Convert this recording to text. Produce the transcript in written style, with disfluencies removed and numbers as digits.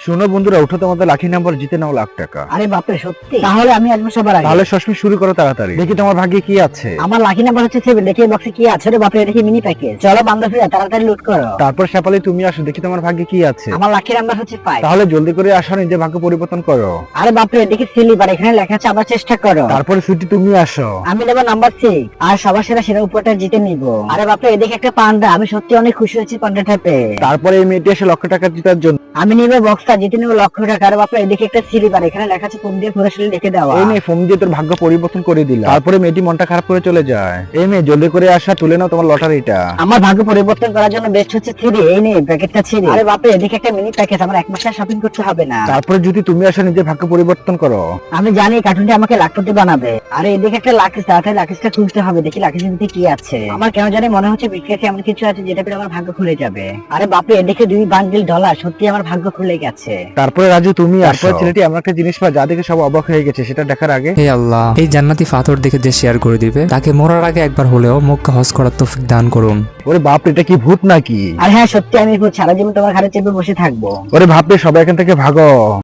শোনো বন্ধুরা, উঠো, তোমাদের লাকি নাম্বার, জিতে নাও লাখ টাকা। আরে বাপরে সত্যি? তাহলে আমি আসবো সবার আগে। তাহলে সস্মি শুরু করো তাড়াতাড়ি, দেখি তোমার ভাগ্যে কি আছে। আমার লাকি নাম্বার হচ্ছে 7। দেখি বক্সে কি আছে। রে বাপরে, দেখি মিনি প্যাকেজ। চলো বান্ধবীরা তাড়াতাড়ি লুট করো। তারপর শেফালি তুমি আসো, দেখি তোমার ভাগ্যে কি আছে। আমার লাকি নাম্বার হচ্ছে 5। তাহলে জলদি করে আসো, নিজে ভাগ্য পরিবর্তন করো। আরে বাপরে, দেখি সিলিভার, এখানে লেখা আছে আবার চেষ্টা করো। তারপরে সুইটি তুমি আসো। আমি নেবো নাম্বার 6 আর সবার সেরা উপরটা জিতে নিব। আরে বাপরে, এদিকে একটা পান্ডা। আমি সত্যি অনেক খুশি হয়েছি পান্ডাটা পেয়ে। তারপরে এই মেয়েটি এসে লক্ষ টাকা জেতার জন্য। আমি নিব বক্সটা, জিতে নিব লক্ষ টাকা। আরে বাপরে, এদিকে একটা সিলিভার, এখানে লেখা আছে ফোন দিয়ে পুরো শরীর লিখে দেওয়া। এই মেয়ে ফোন দিয়ে তোর ভাগ্য পরিবর্তন করে দিলা। তারপরে মেয়েটি মনটা খারাপ করে চলে যায়। এই মেয়ে জলদি করে আসা, তুলে নাও তোমার লটারিটা। আমার ভাগ্য পরিবর্তন করার জন্য বেস্ট হচ্ছে 3। এই নে প্যাকেটটা 3। আরে বাপরে, এদিকে একটা মিনি প্যাকেজ। আমার এক মাসের শপিং করতে হবে না। তারপরে যদি তুমি আসো, নিজে ভাগ্য পরিবর্তন করো। আমি জানি কার্টুনটা আমাকে লাখপতি বানাবে। আরে এদিকে একটা লাকিস, তাড়াতাড়ি লাকিসটা খুঁজতে হবে। দেখি লাকিসের ভিতরে কি আছে। আমার কেন জানি মনে হচ্ছে বিক্রেতে এমন কিছু আছে যেটা পেলে আমার ভাগ্য খুলে যাবে। আরে বাপরে, এদিকে 2 বান্ডিল ডলার। সত্যি আমার ভাগ্য খুলে গেছে। তারপরে রাজু তুমি আসো। তারপরে ছেলেটি এমন একটা জিনিস পায় যা দেখে সব অবাক হয়ে গেছে। সেটা দেখার আগে হে আল্লাহ, এই জান্নাতি পাথর দেখে যে শেয়ার করে দিবে তাকে মরার আগে একবার হলেও মক্কা হজ করার তৌফিক দান করুন। ওরে বাপ, এটা কি ভূত নাকি? আর হ্যাঁ সত্যি, আমি সারা জীবন তোমার ঘাড়ে চেপে বসে থাকবো। ওরে ভাববে, সবাই এখান থেকে ভাগো।